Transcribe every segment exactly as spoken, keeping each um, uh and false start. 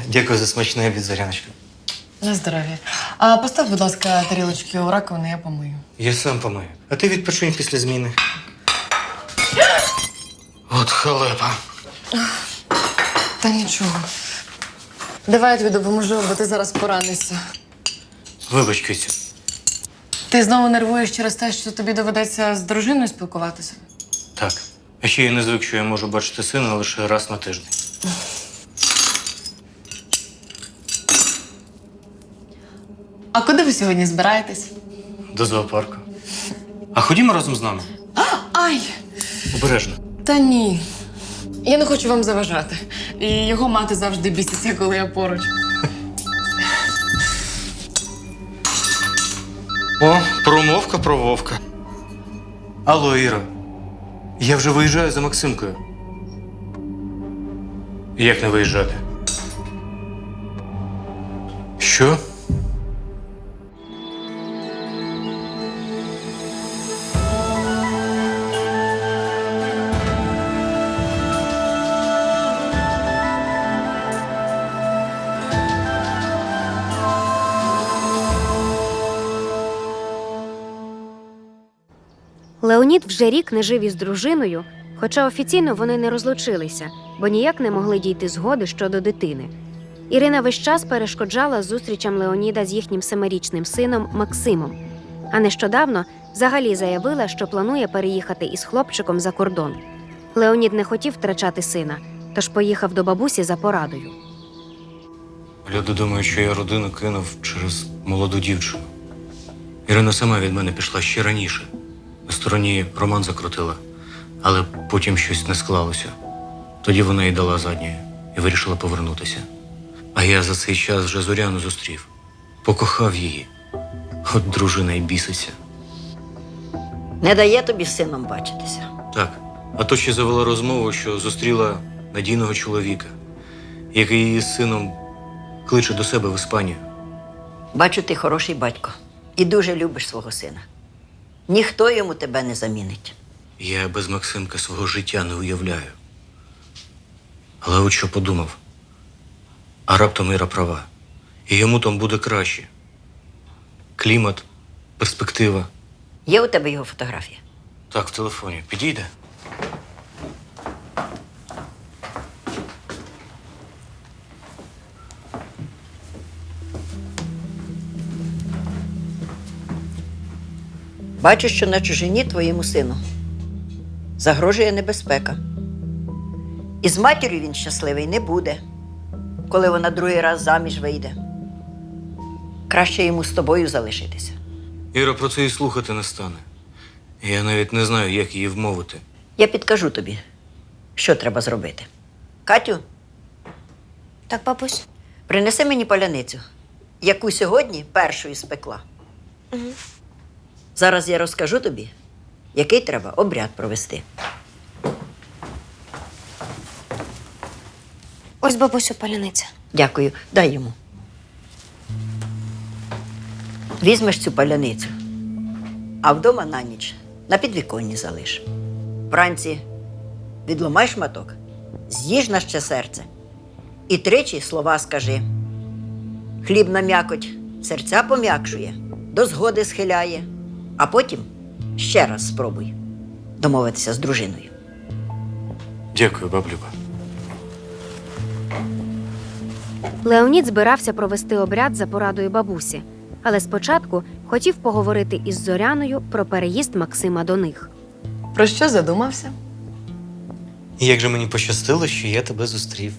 Дякую за смачне від Зоряночки. На здоров'я. А постав, будь ласка, тарілочки у раковину, я помию. Я сам помию. А ти відпочинь після зміни. От халепа. Та нічого. Давай я тобі допоможу, бо ти зараз поранишся. Вибач, Кицю. Ти знову нервуєш через те, що тобі доведеться з дружиною спілкуватися? Так. А ще я не звик, що я можу бачити сина лише раз на тиждень. А куди ви сьогодні збираєтесь? До зоопарку. А ходімо разом з нами. Ай! Обережно. Та ні. Я не хочу вам заважати. І його мати завжди біситься, коли я поруч. О, промовка про Вовка. Алло, Іра. Я вже виїжджаю за Максимкою. Як не виїжджати? Що? Леонід вже рік не жив із дружиною, хоча офіційно вони не розлучилися, бо ніяк не могли дійти згоди щодо дитини. Ірина весь час перешкоджала зустрічам Леоніда з їхнім семирічним сином Максимом, а нещодавно взагалі заявила, що планує переїхати із хлопчиком за кордон. Леонід не хотів втрачати сина, тож поїхав до бабусі за порадою. Люди думають, що я родину кинув через молоду дівчину. Ірина сама від мене пішла ще раніше. На стороні роман закрутила, але потім щось не склалося. Тоді вона й дала задньої і вирішила повернутися. А я за цей час вже Зоряну зустрів. Покохав її. От дружина й біситься. Не дає тобі з сином бачитися. Так, а то ще завела розмову, що зустріла надійного чоловіка, який її з сином кличе до себе в Іспанію. Бачу, ти хороший батько і дуже любиш свого сина. Ніхто йому тебе не замінить. Я без Максимка свого життя не уявляю. Але от що подумав. А раптом Іра права. І йому там буде краще. Клімат, перспектива. Є у тебе його фотографія? Так, в телефоні. Підійде? Бачу, що на чужині твоєму сину загрожує небезпека. І з матір'ю він щасливий не буде, коли вона другий раз заміж вийде. Краще йому з тобою залишитися. Іра про це і слухати не стане. Я навіть не знаю, як її вмовити. Я підкажу тобі, що треба зробити. Катю, Так, бабусь? принеси мені паляницю, яку сьогодні першою спекла. Угу. Зараз я розкажу тобі, який треба обряд провести. Ось, бабусю, паляниця. Дякую, дай йому. Візьмеш цю паляницю, а вдома на ніч на підвіконні залиш. Вранці відломай шматок, з'їж на ще серце і тричі слова скажи. Хлібна м'якоть серця пом'якшує, до згоди схиляє, а потім ще раз спробуй домовитися з дружиною. Дякую, баблюба. Леонід збирався провести обряд за порадою бабусі, але спочатку хотів поговорити із Зоряною про переїзд Максима до них. Про що задумався? Як же мені пощастило, що я тебе зустрів.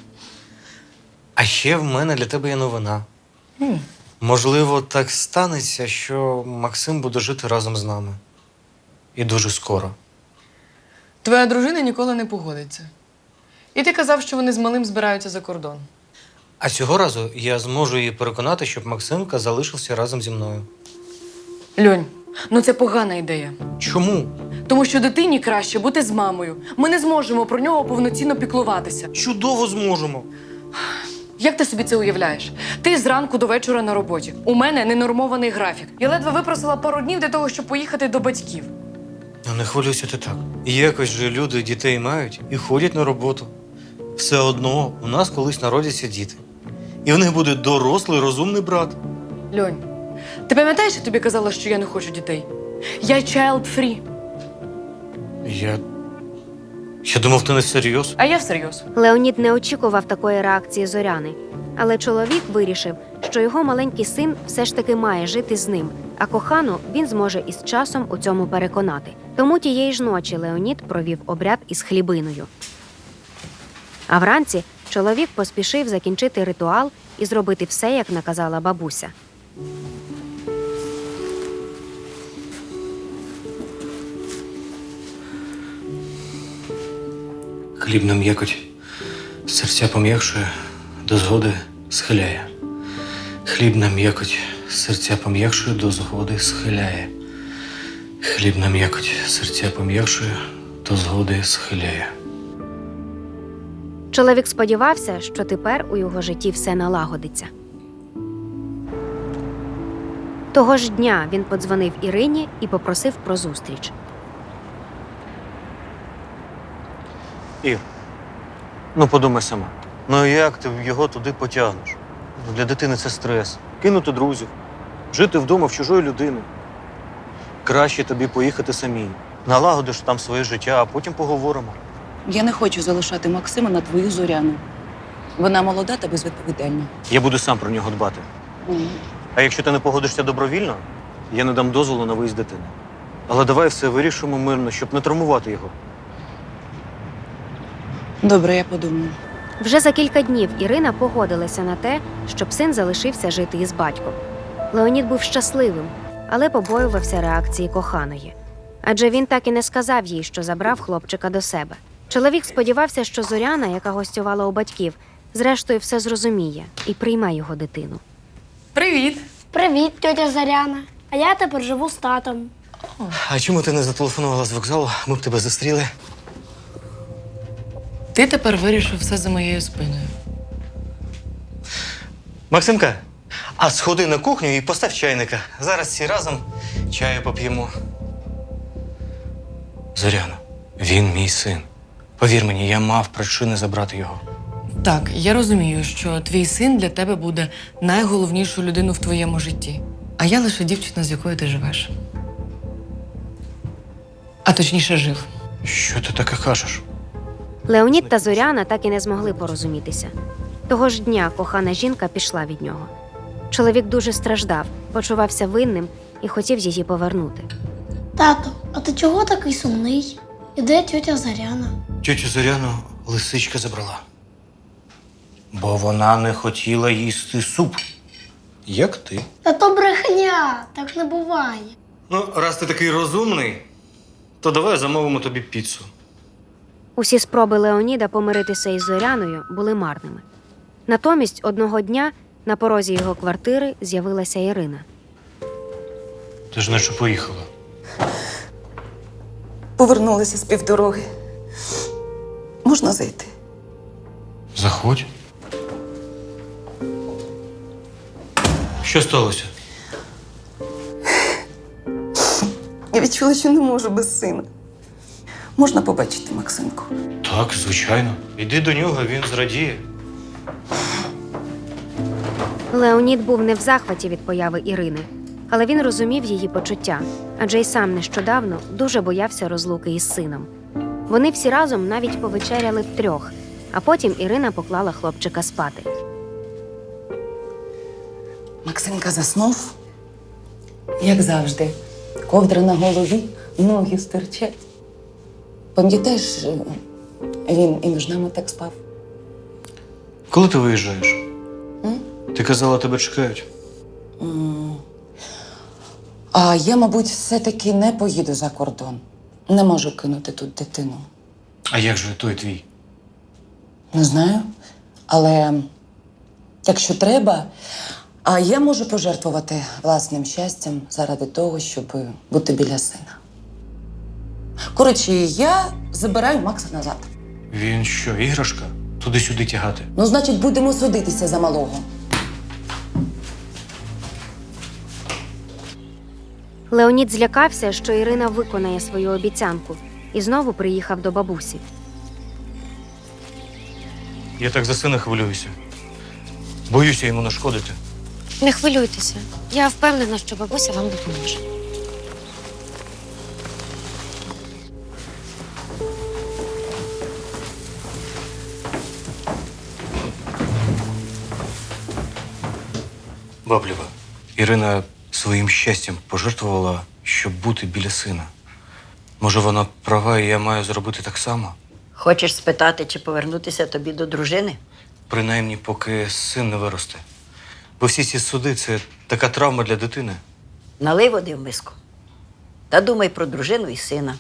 А ще в мене для тебе є новина. Mm. Можливо, так станеться, що Максим буде жити разом з нами. І дуже скоро. Твоя дружина ніколи не погодиться. І ти казав, що вони з малим збираються за кордон. А цього разу я зможу її переконати, щоб Максимка залишився разом зі мною. Льонь, ну це погана ідея. Чому? Тому що дитині краще бути з мамою. Ми не зможемо про нього повноцінно піклуватися. Чудово зможемо. Як ти собі це уявляєш? Ти зранку до вечора на роботі. У мене ненормований графік. Я ледве випросила пару днів для того, щоб поїхати до батьків. Ну не хвилюйся ти так. Якось же люди дітей мають і ходять на роботу. Все одно у нас колись народяться діти. І в них буде дорослий, розумний брат. Льонь, ти пам'ятаєш, я тобі казала, що я не хочу дітей? Я child-free, Я. Я думав, ти не всерйоз. а я всерйоз. Леонід не очікував такої реакції Зоряни, але чоловік вирішив, що його маленький син все ж таки має жити з ним, а кохану він зможе із часом у цьому переконати. Тому тієї ж ночі Леонід провів обряд із хлібиною. А вранці чоловік поспішив закінчити ритуал і зробити все, як наказала бабуся. Хліб на м'якоть, серця пом'якшує, до згоди схиляє. Хліб на м'якоть, серця пом'якшує, до згоди схиляє. Хліб на м'якоть, серця пом'якшує, до згоди схиляє. Чоловік сподівався, що тепер у його житті все налагодиться. Того ж дня він подзвонив Ірині і попросив про зустріч. Ір, ну подумай сама. Ну як ти його туди потягнеш? Ну, для дитини це стрес. Кинути друзів, жити вдома в чужої людини. Краще тобі поїхати самій. Налагодиш там своє життя, а потім поговоримо. Я не хочу залишати Максима на твою Зоряну. Вона молода та безвідповідальна. Я буду сам про нього дбати. А якщо ти не погодишся добровільно, я не дам дозволу на виїзд дитини. Але давай все вирішимо мирно, щоб не травмувати його. Добре, я подумаю. Вже за кілька днів Ірина погодилася на те, щоб син залишився жити із батьком. Леонід був щасливим, але побоювався реакції коханої. Адже він так і не сказав їй, що забрав хлопчика до себе. Чоловік сподівався, що Зоряна, яка гостювала у батьків, зрештою все зрозуміє і прийме його дитину. Привіт! Привіт, тьотя Заряна. А я тепер живу з татом. А чому ти не зателефонувала з вокзалу? Ми б тебе зустріли. Ти тепер вирішив все за моєю спиною. Максимка, а сходи на кухню і постав чайника. Зараз всі разом чаю поп'ємо. Зоряно, він мій син. Повір мені, я мав причини забрати його. Так, я розумію, що твій син для тебе буде найголовнішою людиною в твоєму житті. А я лише дівчина, з якою ти живеш. А точніше, жив. Що ти таке кажеш? Леонід та Зоряна так і не змогли порозумітися. Того ж дня кохана жінка пішла від нього. Чоловік дуже страждав, почувався винним і хотів її повернути. Тато, а ти чого такий сумний? І де тьотя Заряна? Тьотю Зоряну лисичка забрала. Бо вона не хотіла їсти суп. Як ти? Та то брехня, так не буває. Ну, раз ти такий розумний, то давай замовимо тобі піцу. Усі спроби Леоніда помиритися із Зоряною були марними. Натомість одного дня на порозі його квартири з'явилася Ірина. Ти ж наче поїхала. Повернулися з півдороги. Можна зайти? Заходь. Що сталося? Я відчула, що не можу без сина. Можна побачити Максимку? Так, звичайно. Іди до нього, він зрадіє. Леонід був не в захваті від появи Ірини, але він розумів її почуття, адже й сам нещодавно дуже боявся розлуки із сином. Вони всі разом навіть повечеряли втрьох, а потім Ірина поклала хлопчика спати. Максимка заснув, як завжди. Ковдра на голові, ноги стирчать. Пам'ятаєш, він і між нами так спав? Коли ти виїжджаєш? М? Ти казала, тебе чекають. М. А я, мабуть, все-таки не поїду за кордон. Не можу кинути тут дитину. А як же той твій? Не знаю. Але якщо треба, а я можу пожертвувати власним щастям заради того, щоб бути біля сина. Коротше, я забираю Макса назад. Він що, іграшка? Туди-сюди тягати. Ну, значить, будемо судитися за малого. Леонід злякався, що Ірина виконає свою обіцянку, і знову приїхав до бабусі. Я так за сина хвилююся. Боюся йому нашкодити. Не хвилюйтеся. Я впевнена, що бабуся вам допоможе. Баблєва, Ірина своїм щастям пожертвувала, щоб бути біля сина. Може, вона права, і я маю зробити так само? Хочеш спитати, чи повернутися тобі до дружини? Принаймні, поки син не виросте. Бо всі ці суди – це така травма для дитини. Налий води в миску. Та думай про дружину і сина.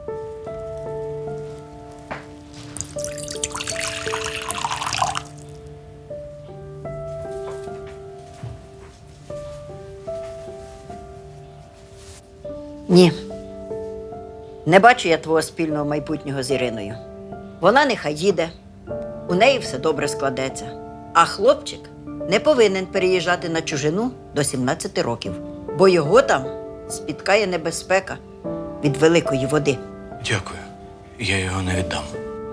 Ні. Не бачу я твого спільного майбутнього з Іриною. Вона нехай їде, у неї все добре складеться. А хлопчик не повинен переїжджати на чужину до сімнадцяти років, бо його там спіткає небезпека від великої води. Дякую. Я його не віддам.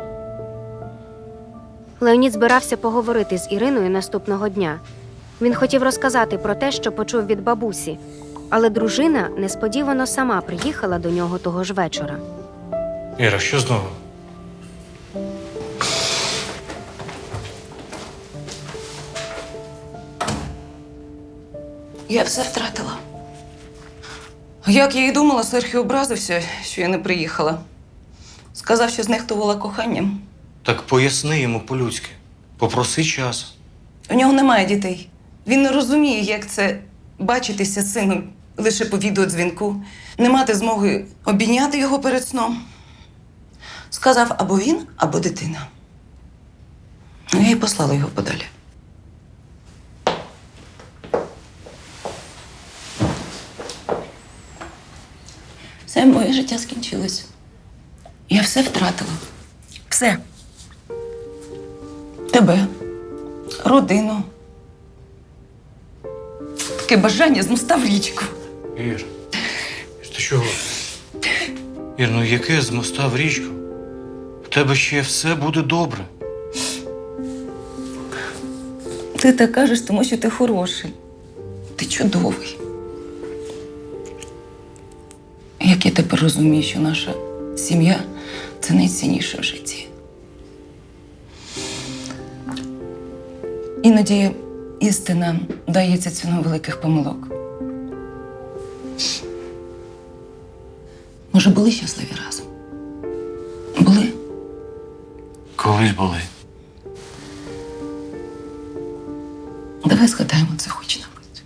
Леонід збирався поговорити з Іриною наступного дня. Він хотів розказати про те, що почув від бабусі, але дружина несподівано сама приїхала до нього того ж вечора. Іра, що знову? Я все втратила. Як я і думала, Серхіо образився, що я не приїхала. Сказав, що знехтувала коханням. Так поясни йому по-людськи. Попроси час. У нього немає дітей. Він не розуміє, як це бачитися з сином лише по відеодзвінку, не мати змоги обійняти його перед сном. Сказав або він, або дитина. Ну, я й послала його подалі. Все моє життя скінчилось. Я все втратила. Все. Тебе, родину. Таке бажання з моста в річку. Ір, ти чого? Ір, ну яке з моста в річку? В тебе ще все буде добре. Ти так кажеш, тому що ти хороший. Ти чудовий. Як я тепер розумію, що наша сім'я – це найцінніше в житті. Іноді істина дається ціною великих помилок. Може, були щасливі разом? Були? Колись були. Давай згадаємо це хоч на мить.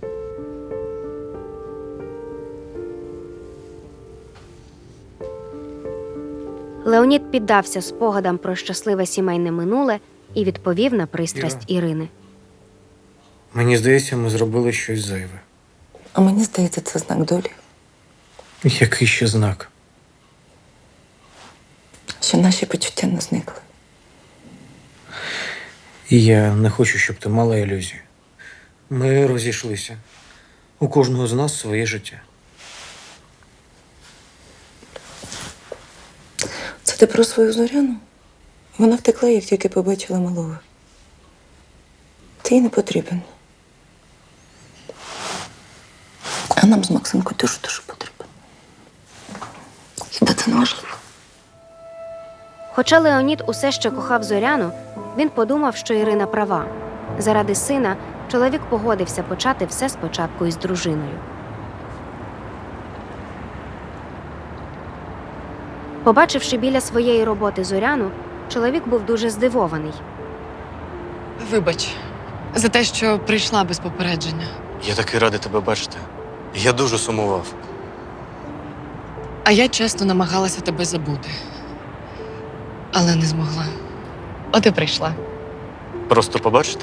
Леонід піддався спогадам про щасливе сімейне минуле і відповів на пристрасть Іра. Ірини. Мені здається, ми зробили щось зайве. А мені здається, це знак долі, Який ще знак? що наші почуття не зникли. І я не хочу, щоб ти мала ілюзію. Ми розійшлися. У кожного з нас своє життя. Це ти про свою Зоряну? Вона втекла, як тільки побачила малого. Ти їй не потрібен. А нам з Максимкою дуже-дуже потрібен. Хіба це не важливо? Хоча Леонід усе ще кохав Зоряну, він подумав, що Ірина права. Заради сина чоловік погодився почати все спочатку із дружиною. Побачивши біля своєї роботи Зоряну, чоловік був дуже здивований. Вибач за те, що прийшла без попередження. Я такий радий тебе бачити. Я дуже сумував. А я чесно намагалася тебе забути. Але не змогла. От і прийшла. Просто побачити?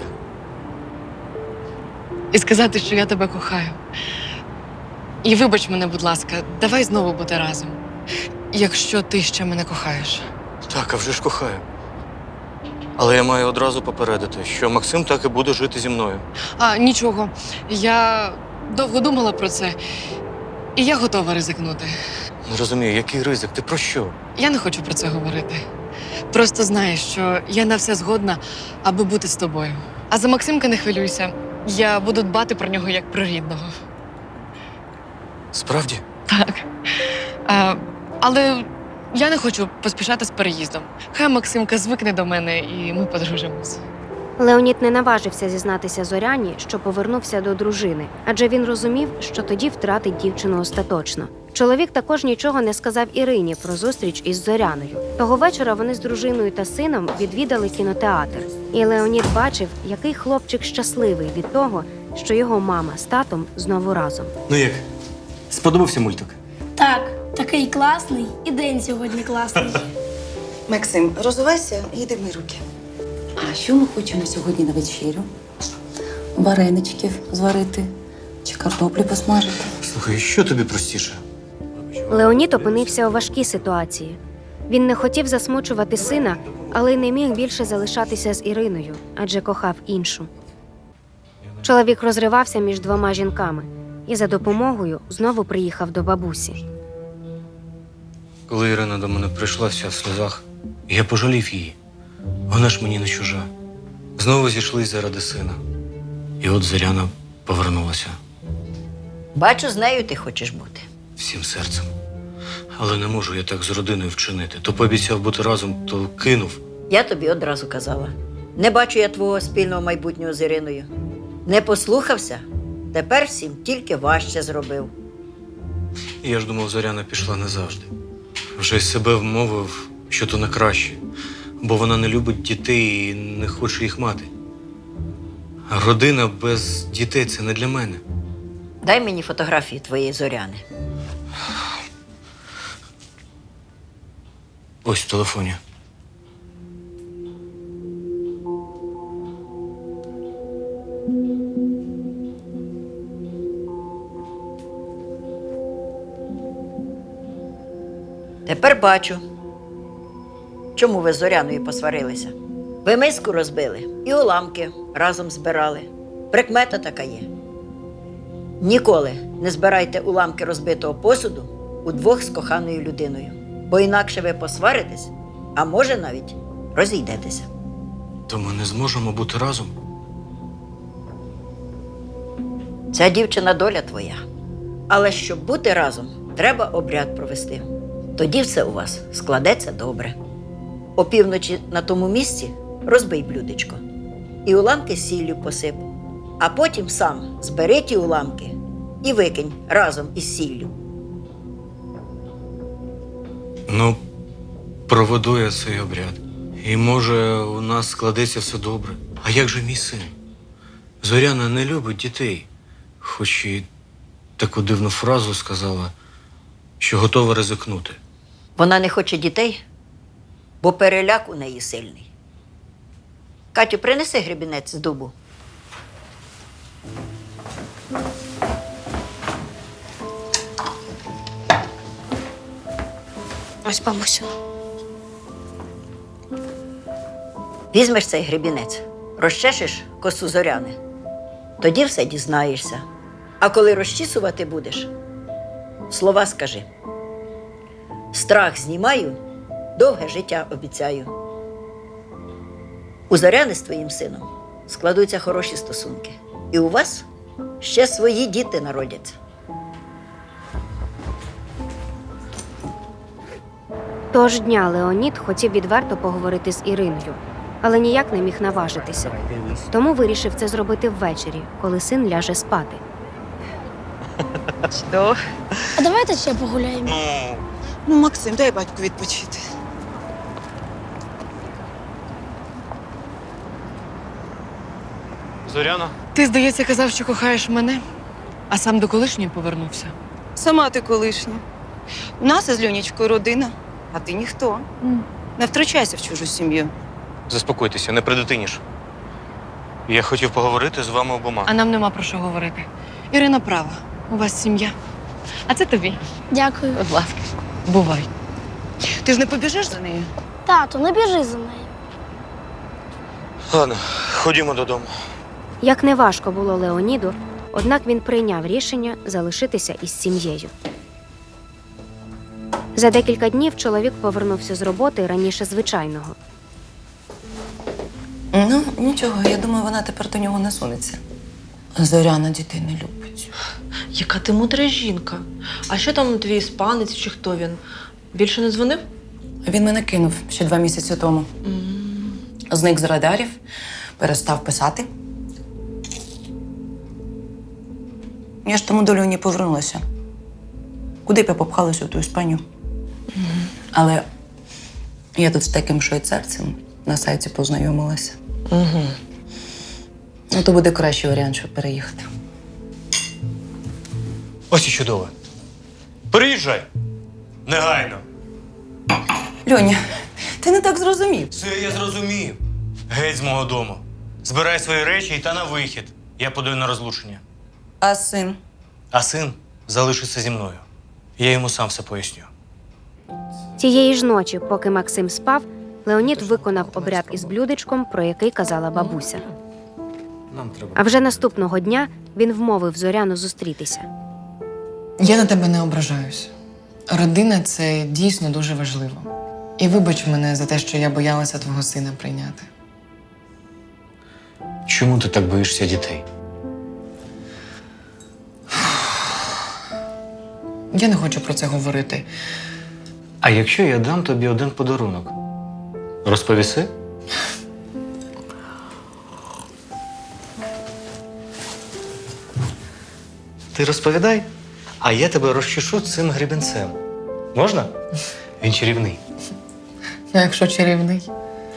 І сказати, що я тебе кохаю. І вибач мене, будь ласка, давай знову бути разом. Якщо ти ще мене кохаєш. Так, а вже ж кохаю. Але я маю одразу попередити, що Максим так і буде жити зі мною. А, нічого. Я довго думала про це. І я готова ризикнути. Не розумію, який ризик? Ти про що? Я не хочу про це говорити. Просто знай, що я на все згодна, аби бути з тобою. А за Максимка не хвилюйся. Я буду дбати про нього як про рідного. Справді? Так. А, але я не хочу поспішати з переїздом. Хай Максимка звикне до мене і ми подружимось. Леонід не наважився зізнатися Зоряні, що повернувся до дружини, адже він розумів, що тоді втратить дівчину остаточно. Чоловік також нічого не сказав Ірині про зустріч із Зоряною. Того вечора вони з дружиною та сином відвідали кінотеатр. І Леонід бачив, який хлопчик щасливий від того, що його мама з татом знову разом. Ну як? Сподобався мультик? Так, такий класний, і день сьогодні класний. Максим, розувайся і йди мий руки. А що ми хочемо сьогодні на вечерю? Вареничків зварити чи картоплі посмажити? Слухай, що тобі простіше? Леонід опинився у важкій ситуації. Він не хотів засмучувати сина, але й не міг більше залишатися з Іриною, адже кохав іншу. Чоловік розривався між двома жінками і за допомогою знову приїхав до бабусі. Коли Ірина до мене прийшла вся в сльозах, я пожалів її. Вона ж мені не чужа. Знову зійшлись заради сина. І от Зоряна повернулася Бачу, з нею ти хочеш бути. всім серцем. Але не можу я так з родиною вчинити. То пообіцяв бути разом, то кинув. Я тобі одразу казала. Не бачу я твого спільного майбутнього з Іриною. Не послухався, тепер всім тільки важче зробив. І я ж думав, Зоряна пішла назавжди. Вже й себе вмовив, що то на краще. Бо вона не любить дітей і не хоче їх мати. А родина без дітей – це не для мене. Дай мені фотографії твоєї Зоряни. Ось в телефоні. Тепер бачу, чому ви з Зоряною посварилися. Ви миску розбили і уламки разом збирали. Прикмета така є. Ніколи не збирайте уламки розбитого посуду удвох з коханою людиною, бо інакше ви посваритесь, а може навіть розійдетеся. То ми не зможемо бути разом. Ця дівчина доля твоя. Але щоб бути разом, треба обряд провести. Тоді все у вас складеться добре. Опівночі на тому місці розбий блюдечко і уламки сіллю посип, а потім сам збери ті уламки і викинь разом із сіллю. Ну, проведу я цей обряд. І може у нас складеться все добре. А як же мій син? Зоряна не любить дітей. Хоч і таку дивну фразу сказала, що готова ризикнути. Вона не хоче дітей, бо переляк у неї сильний. Катю, принеси гребінець з дубу. Ось, бабусю. Візьмеш цей гребінець, розчешеш косу Зоряни. Тоді все дізнаєшся. А коли розчісувати будеш, слова скажи. Страх знімаю, довге життя обіцяю. У Зоряни з твоїм сином складуться хороші стосунки. І у вас ще свої діти народяться. Того ж дня Леонід хотів відверто поговорити з Іриною, але ніяк не міг наважитися. Тому вирішив це зробити ввечері, коли син ляже спати. А давайте ще погуляємо. Ну, Максим, дай батьку відпочити. Зоряна? Ти, здається, казав, що кохаєш мене, а сам до колишньої повернувся. Сама ти колишня. У нас із Льонічкою родина, а ти ніхто. Не втручайся в чужу сім'ю. Заспокойтеся, не придитиніш. Я хотів поговорити з вами обома. А нам нема про що говорити. Ірина права. У вас сім'я. А це тобі. Дякую. Будь ласка. Бувай. Ти ж не побіжиш за нею? Тато, не біжи за нею. Ладно, ходімо додому. Як не важко було Леоніду, однак він прийняв рішення залишитися із сім'єю. За декілька днів чоловік повернувся з роботи раніше звичайного. Ну, нічого, я думаю, вона тепер до нього не сунеться. Зоряна дітей не любить. Яка ти мудра жінка. А що там твій іспанець чи хто він? Більше не дзвонив? Він мене кинув ще два місяці тому. Зник з радарів, перестав писати. Я ж тому до Льоні повернулася. Куди б я попхалася в ту Іспанію? Але я тут з таким швейцарцем на сайті познайомилася. Угу. Ну, то буде кращий варіант, щоб переїхати. Ось і чудово. Переїжджай. Негайно. Льоня, ти не так зрозумів. Все я зрозумів. Геть з мого дому. Збирай свої речі і та на вихід. Я подаю на розлучення. А син? А син залишиться зі мною. Я йому сам все поясню. Тієї ж ночі, поки Максим спав, Леонід виконав обряд із блюдечком, про який казала бабуся. Нам треба. А вже наступного дня він вмовив Зоряну зустрітися. Я на тебе не ображаюсь. Родина це дійсно дуже важливо. І вибач мене за те, що я боялася твого сина прийняти. Чому ти так боїшся дітей? Я не хочу про це говорити. А якщо я дам тобі один подарунок? Розповіси? Ти розповідай, а я тебе розчешу цим гребінцем. Можна? Він чарівний. Ну, якщо чарівний.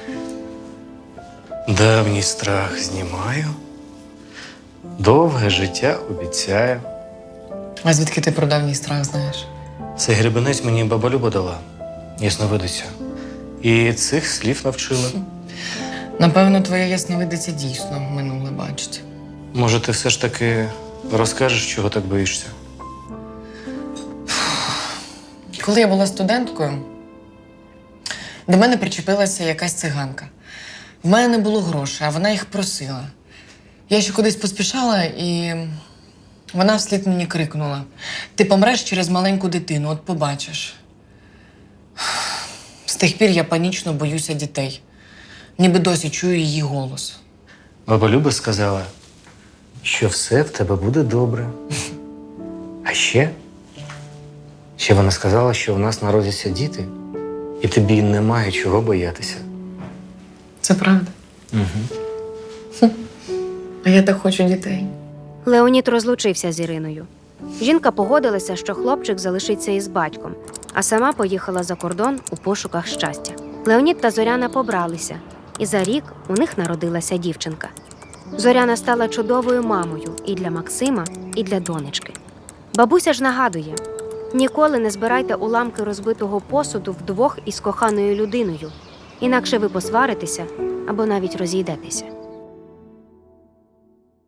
Давній страх знімаю, довге життя обіцяю. А звідки ти про давній страх знаєш? Цей гребенець мені баба Люба дала, ясновидиця. І цих слів навчила. Напевно, твоя ясновидиця дійсно минуле бачить. Може, ти все ж таки розкажеш, чого так боїшся? Коли я була студенткою, до мене причепилася якась циганка. В мене не було грошей, а вона їх просила. Я ще кудись поспішала, і вона вслід мені крикнула: ти помреш через маленьку дитину, от побачиш. З тих пір я панічно боюся дітей. Ніби досі чую її голос. Баба Люба сказала, що все в тебе буде добре. А ще, ще вона сказала, що в нас народяться діти, і тобі немає чого боятися. Це правда? Угу. А я так хочу дітей. Леонід розлучився з Іриною. Жінка погодилася, що хлопчик залишиться із батьком, а сама поїхала за кордон у пошуках щастя. Леонід та Зоряна побралися, і за рік у них народилася дівчинка. Зоряна стала чудовою мамою і для Максима, і для донечки. Бабуся ж нагадує: ніколи не збирайте уламки розбитого посуду вдвох із коханою людиною, інакше ви посваритеся або навіть розійдетеся.